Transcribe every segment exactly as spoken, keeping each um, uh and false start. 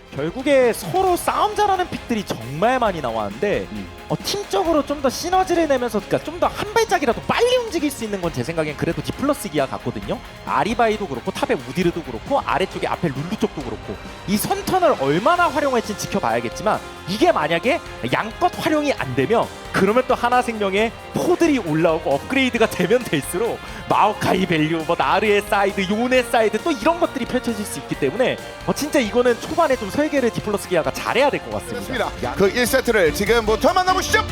결국에 서로 싸움 잘하는 픽들이 정말 많이 나왔는데 음. 어, 팀적으로 좀 더 시너지를 내면서 그러니까 좀 더 한 발짝이라도 빨리 움직일 수 있는 건 제 생각엔 그래도 디플러스 기아 같거든요. 아리바이도 그렇고 탑의 우디르도 그렇고 아래쪽에 앞에 룰루 쪽도 그렇고 이 선턴을 얼마나 활용할지 지켜봐야겠지만 이게 만약에 양껏 활용이 안 되면 그러면 또 하나생명의 포들이 올라오고 업그레이드가 되면 될수록 마오카이 밸류, 뭐 나르의 사이드, 요네 사이드 또 이런 것들이 펼쳐질 수 있기 때문에 어, 진짜 이거는 초반에 좀 설계를 디플러스 기아가 잘해야 될 것 같습니다. 그렇습니다. 그 일 세트를 지금부터 만나보시죠.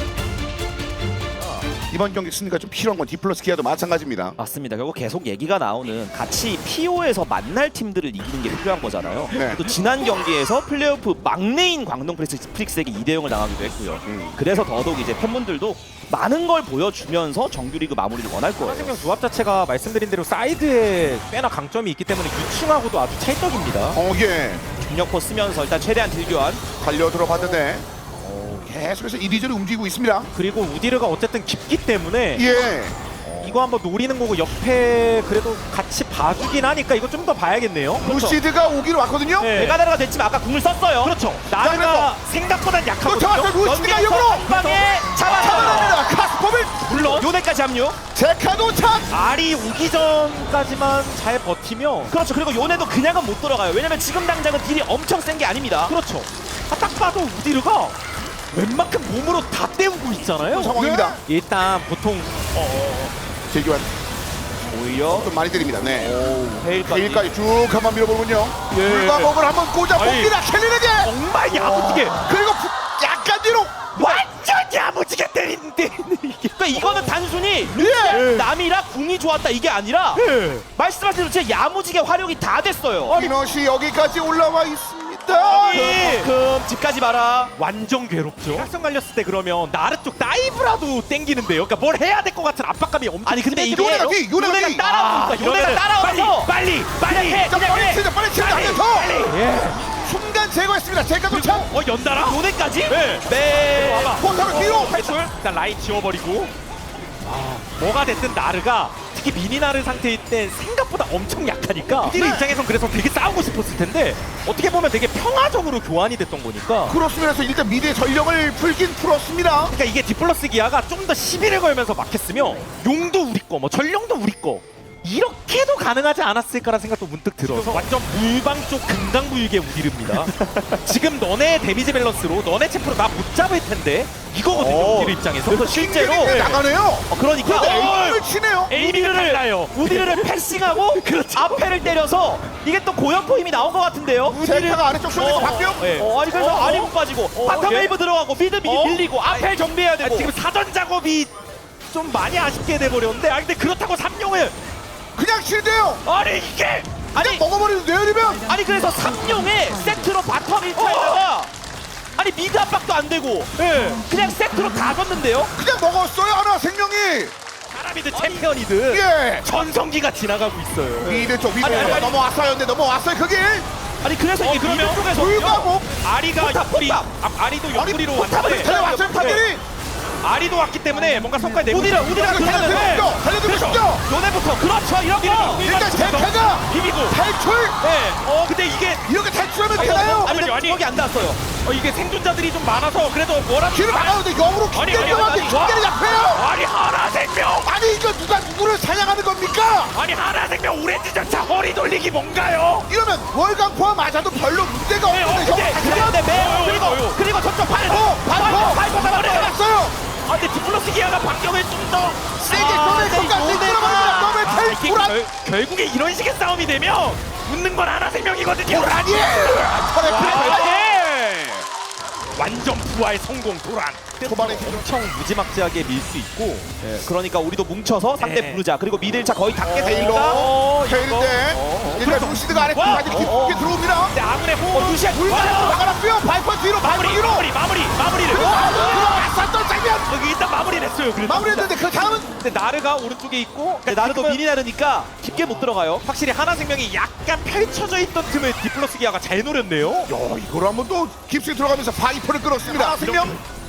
이번 경기 승리가 좀 필요한 건 디플러스 기아도 마찬가지입니다. 맞습니다. 결국 계속 얘기가 나오는 같이 피오에서 만날 팀들을 이기는 게 필요한 거잖아요. 네. 또 지난 경기에서 플레이오프 막내인 광동 프릭스, 프릭스에게 이 대 영을 당하기도 했고요. 음. 그래서 더더욱 이제 팬분들도 많은 걸 보여주면서 정규리그 마무리를 원할 거예요. 하나생명 조합 자체가 말씀드린 대로 사이드에 꽤나 강점이 있기 때문에 유충하고도 아주 찰떡입니다. 어, 예. 중력포 쓰면서 일단 최대한 딜교환. 달려 들어봤는데 어, 계속해서 이리저리 움직이고 있습니다. 그리고 우디르가 어쨌든 깊기 때문에 예. 이거 한번 노리는 거고 옆에 그래도 같이 봐주긴 하니까 이거 좀 더 봐야겠네요. 루시드가 오기로 왔거든요. 네. 메가다르가 됐지만 아까 궁을 썼어요. 그렇죠. 나르가 생각보다 또 약하거든요. 잡았어요. 루시드가 역으로 한 방에 잡아 잡아냅니다. 카스폼을 물론 요네까지 합류. 제카도 찬. 알이 오기 전까지만 잘 버티면 그렇죠. 그리고 요네도 그냥은 못 들어가요. 왜냐면 지금 당장은 딜이 엄청 센 게 아닙니다. 그렇죠. 아, 딱 봐도 우디르가 웬만큼 몸으로 다 때우고 있잖아요. 상황입니다. 일단 보통 제기환 오히려 좀 많이 때립니다. 네. 헤일까지. 일까지 쭉 한번 밀어보군요. 예. 물과목을 한번 꽂아 아니. 봅니다. 켈리에게. 정말 야무지게 그리고 부- 약간 뒤로. 완전 야무지게 때리는데 이게 그러니까 이거는 단순히 예. 남이라 궁이 좋았다 이게 아니라 예. 말씀하신 대로 진짜 야무지게 활용이 다 됐어요. 이너시 여기까지 올라와 있습니다. 그만큼 집까지 마라. 완전 괴롭죠. 각성 갈렸을 때 그러면 나르 쪽 다이브라도 땡기는데요. 그러니까 뭘 해야 될 것 같은 압박감이 엄청. 아니 근데 이게 요네가 뒤, 요네가 뒤. 요네가 따라오니까 요네가 이러면은 따라와서 빨리 빨리 빨리 해, 자, 그냥 빨리 해. 치자, 빨리 치자. 한 명 더. 빨리. 예. 순간 제거했습니다. 제카도 찬. 어 연달아. 요네까지? 네. 네. 와봐. 포탑을 뒤로. 탈출. 일단 라인 지워버리고. 아, 뭐가 됐든 나르가 특히 미니 나르 상태일 때 생각보다 엄청 약하니까 우디르 네. 입장에선 그래서 되게 싸우고 싶었을 텐데 어떻게 보면 되게 평화적으로 교환이 됐던 거니까. 크로스면에서 일단 미드의 전령을 풀긴 풀었습니다. 그러니까 이게 디플러스 기아가 좀 더 시비를 걸면서 막혔으면 용도 우리 거, 뭐 전령도 우리 거 이렇게도 가능하지 않았을까라는 생각도 문득 들어서 완전 물방 쪽 금강부육의 우디르입니다. 지금 너네 데미지 밸런스로 너네 챔프로 나 못 잡을 텐데 이거거든요. 어. 우디르 입장에서. 그래서 실제로 네, 나가네요. 어, 그러니까 근데 어, 에임을 치네요. 에이미를 달라요. 우디르를 패싱하고 그렇죠. 앞에를 때려서 이게 또 고연포 힘이 나온 것 같은데요. 제카가 아래쪽 쇼에서 바뀌어. 예. 어, 아니 그래서 어, 아리 어? 못 빠지고 어, 바텀 예. 웨이브 들어가고 미드 미리 어? 밀리고 앞에 정비해야 아, 되고 지금 사전 작업이 좀 많이 아쉽게 돼버렸는데 아 근데 그렇다고 삼룡을 그냥 실드예요. 아니 이게 그냥 먹어버리는 내리면 아니 그래서 삼룡에 세트로 바텀 일차에다가 아니 미드 압박도 안 되고 예. 그냥 세트로 다 졌는데요. 그냥 먹었어요. 하나 생명이. 사람이든 챔피언이든 예. 전성기가 지나가고 있어요. 미드 쪽 미드 아니, 아니, 아니. 넘어왔어요. 근데 넘어왔어요. 그게 아니 그래서 어, 이게 그러면 미드 쪽에서 불과목. 아리가 포탑, 옆구리 포탑. 아, 아리도 아니 옆구리로 포탑을 왔는데 달려왔어요. 판들이. 아리도 왔기 때문에 뭔가 성과에 내고 우디라 우디라 이거 달려들었죠. 달려들었죠. 요네부터 그렇죠 이런 거. 일단 제카가 비비고 탈출. 네. 어 근데 이게 이렇게 탈출하면 되나요? 아니 근데 아니. 주먹이 안 닿았어요. 어, 이게 생존자들이 좀 많아서 그래도 뭐라도 길을 막아오는데 영으로 아니, 김대경한테 아니, 김대를 아니. 약해요. 아니 하나생명 아니 이거 누가 누구를 사냥하는 겁니까? 아니 하나생명 오렌지 전차 허리 돌리기 뭔가요? 이러면 월간포와 맞아도 별로 문제가 네, 없는데 어, 근데 형 그래 근데 매 어요, 그리고 어요. 그리고 저쪽 발 어, 발포! 발포 잡았어요. 잡았어요. 아 근데 디플러스 기아가 방점을 좀더 세게 꺼내 손까지 끌어버립니다. 너왜 텔 도란? 결국에 이런 식의 싸움이 되면 웃는 건 하나생명이거든요. 도란이! 털에 와, 풀어. 예. 완전 부활 성공 도란. 초반에 엄청 무지막지하게 밀 수 있고. 예, 그러니까 우리도 뭉쳐서 상대 네. 부르자. 그리고 미드 일 차 거의 닿게 테일러. 되니까 어, 테일인데 어, 일단 그렇죠. 루시드가 아래 와, 까지 어, 깊게 들어옵니다. 근데 아무래 호흡 루시안 물만으로 막아놨고요. 발포 뒤로 발포 마무리 뒤로. 마무리 마무리 마무리를 들어왔었던 장면. 여기 일단 마무리를 했어요. 그래도. 마무리했는데 그 다음은 근데 나르가 오른쪽에 있고 근데 나르도 미니 나르니까 깊게 못 들어가요. 확실히 하나생명이 약간 펼쳐져 있던 틈을 디플러스 기아가 잘 노렸네요. 야 이걸 한번 또 깊숙이 들어가면서 바이퍼를 끌었습니다. 생명.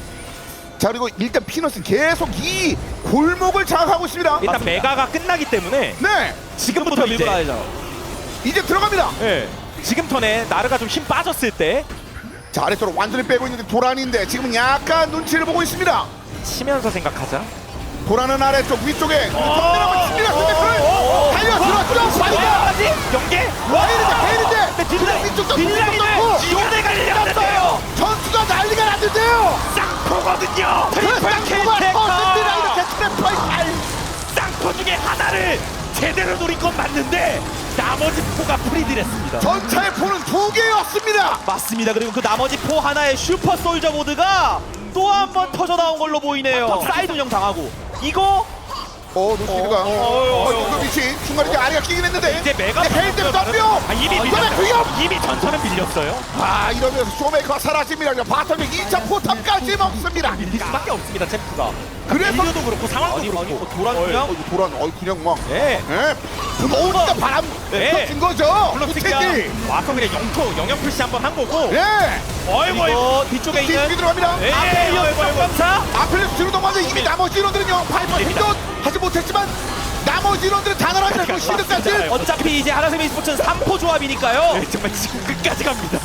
자 그리고 일단 피넛은 계속 이 골목을 장악하고 있습니다. 일단 맞습니다. 메가가 끝나기 때문에 네 지금부터 부터 밀고 이제 나야죠. 이제 들어갑니다. 예. 지금 턴에 나르가 좀 힘 빠졌을 때 자, 아래쪽으로 완전히 빼고 있는데 도란인데 지금은 약간 눈치를 보고 있습니다. 치면서 생각하자. 도란은 아래쪽 위쪽에 어, 덤벼라고 칩니다. 스매크를 달려 들어왔죠. 바이가 아직 연계. 와이는데 베일인데 근데 딜라인 위쪽도 딜라인을 넣고 지원해가 일어났어요. 전투가 난리가 났는데요. 쌍포거든요. 그 트리플 쌍포가 킬테커. 터집니다. 이렇게 트래퍼의 발. 쌍포 중에 하나를 제대로 노린 건 맞는데 나머지 포가 프리딜했습니다. 전차의 포는 두 개였습니다. 맞습니다. 그리고 그 나머지 포 하나의 슈퍼 솔저 모드가 또 한 번 터져 나온 걸로 보이네요. 사이드 운영 당하고 이거 어, 노스피드가 어, 어, 어, 어, 그 위치 중간에 이제 아리가 끼긴 했는데 이제 메가 베일 때문에 덤벼. 아, 이미 이번에 밀렸어요. 위협. 이미 전차는 밀렸어요. 아, 이러면서 쇼메이커가 사라집니다. 바텀이 이 차 포탑까지 먹습니다. 밀릴 수밖에 없습니다. 챔프가. 그래서 밀려도 그렇고 상황도 아니, 그렇고. 아니, 뭐 도란 그냥 어, 도란 어 그냥 막 예. 예. 부러우니까 바람 네. 친 거죠. 블록스가 부채기. 와서 그냥 영토 영역 푸시 한번 한 거고. 예. 어이구 이거 뒤쪽에 뒤 있는 들어갑니다. 예. 아펠리오스 점검사 아펠레스 뒤로 넘어가는데 이미 나머지 인원들은요 파이퍼 힘도 하지 못했지만 나머지 인원들은 당연하게 그 시드까지 어차피 이제 하나생명 스포츠는 삼 포 조합이니까요. 네, 정말 지금 끝까지 갑니다.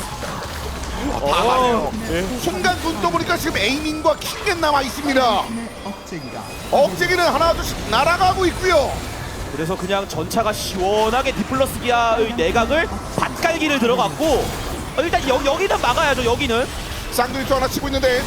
다 맞아요. 순간 눈 떠보니까 지금 에이밍과 킹겐 남아 있습니다. 억제기는 하나 둘씩 날아가고 있고요. 그래서 그냥 전차가 시원하게 디플러스 기아의 내각을 밭갈기를 들어갔고 어, 일단 여, 여기는 막아야죠. 여기는 쌍둥이 또 하나 치고 있는데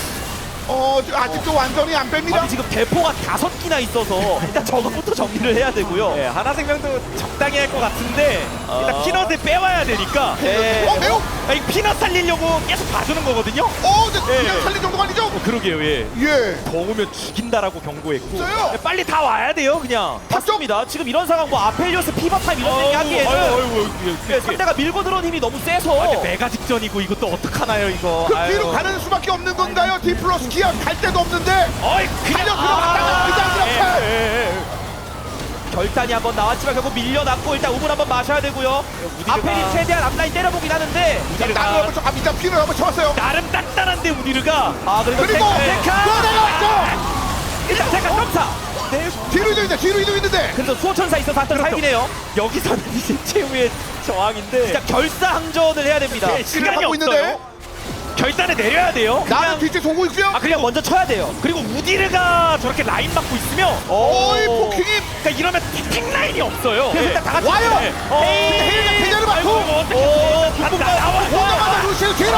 어 아직도 완전히 안 뺍니다. 아니 지금 대포가 다섯 기나 있어서 일단 저것부터 정리를 해야 되고요. 네, 하나생명도 적당히 할 것 같은데 일단 어. 피넛을 빼와야 되니까. 네. 어 매우 아니, 피넛 살리려고 계속 봐주는 거거든요. 어 근데 예. 그냥 살린 정도가 아니죠? 어, 그러게요, 예. 예. 더 오면 죽인다라고 경고했고. 없어요. 네, 빨리 다 와야 돼요, 그냥. 맞습니다. 지금 이런 상황 뭐 아펠리오스 피버타임 이런 얘기 하기에는 네, 상대가 밀고 들어온 힘이 너무 세서 아, 근데 메가 직전이고 이것도 어떡하나요, 이거. 그 아유. 뒤로 가는 수밖에 없는 건가요? D 플러스 기아 갈 데도 없는데 어이, 달려 들어갔다가 그냥 이렇게. 예, 예, 예. 결단이 한번 나왔지만 결국 밀려났고 일단 우물 한번 마셔야 되고요. 우디르가- 아펠이 최대한 앞라인 때려보긴 하는데 나를 한번 쳐, 아 밑에 피를 한번 쳐봤어요. 나름 단단한데 우디르가. 아 그리고 그리고 테크, 네. 테크! 또 내려왔죠. 일단 테크 점사. 네, 뒤로 이동인데 뒤로 이동했는데 그래서 수호천사 있어서 한턴 그렇죠. 살기네요. 여기서는 이제 최후의 저항인데. 진짜 결사항전을 해야 됩니다. 네, 시간이 하고 있는데 없어요. 결단을 내려야 돼요. 나는 뒤에 보고 있고요. 아 그냥 먼저 쳐야 돼요. 그리고 우디르가 저렇게 라인 막고 있으면 어이 포킹이 그러니까 이러면 탱 라인이 없어요. 그래서 예. 일단 다 같이 와요. 네. 어, 헤이가 대자를 아이고, 맞고 뭐 어떻게 다 나와. 오자마자 루시를 뒤로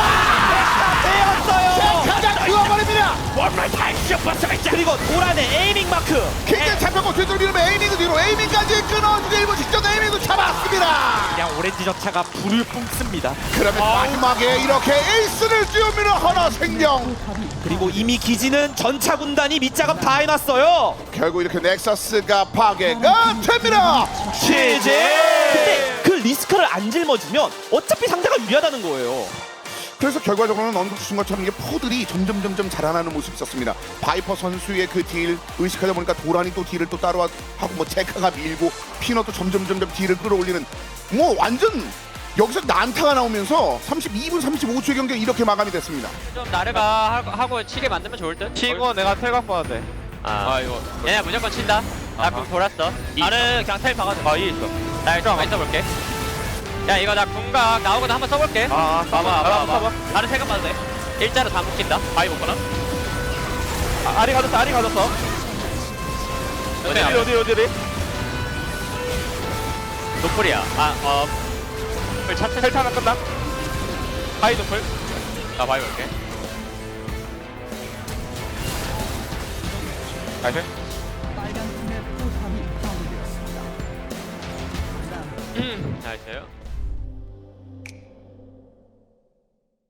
빼었어요. 가장 그어버립니다. 원라인 다이쇼 버스가 있잖아. 그리고 도란의 에이밍 마크. 킹게 잡혔고 뒤로 밀면 에이밍도 뒤로 에이밍까지 끊어주고 일본 직전 에이밍도 잡았습니다. 그냥 오렌지 저차가 불을 뿜습니다. 그러면 마지막에 이렇게 에이스를 띄웁니다. 하나 생명. 그리고 이미 기지는 전차 군단이 밑작업 다 해놨어요. 결국 이렇게 넥서스가 파괴가 됩니다. 치즈. 근데 그 리스크를 안 짊어지면 어차피 상대가 유리하다는 거예요. 그래서 결과적으로는 언급 주신 것처럼 이게 포들이 점점 점점 자라나는 모습이 있었습니다. 바이퍼 선수의 그 딜 의식하다 보니까 도란이 또 딜을 또 따로 하고 뭐 제카가 밀고 피넛도 점점 점점 딜을 끌어올리는 뭐 완전 여기서 난타가 나오면서 삼십이 분 삼십오 초의 경기 이렇게 마감이 됐습니다. 좀 나르가 하고, 하고 치게 만들면 좋을 듯? 치고 내가 텔 갖고 와도 돼. 아, 이거 얘네 무조건 친다. 나 궁 돌았어. 나는 그냥 텔 박아줘. 아, 이 있어. 나 일단 많이 써볼게. 야 이거 나 궁각 나오거든 한번 써볼게. 아, 봐봐 봐봐, 봐봐 봐봐. 봐봐. 나는 세금 봐도 돼. 일자로 다 묶인다. 바위 먹거나. 아, 아리 가졌어, 아리 가졌어. 어디 어디, 어디, 어디, 어디? 노플이야. 아 어. 차트 텔 타면 끝나? 하이 도플. 나 바위 볼게. 나이스. 음, 나이스요.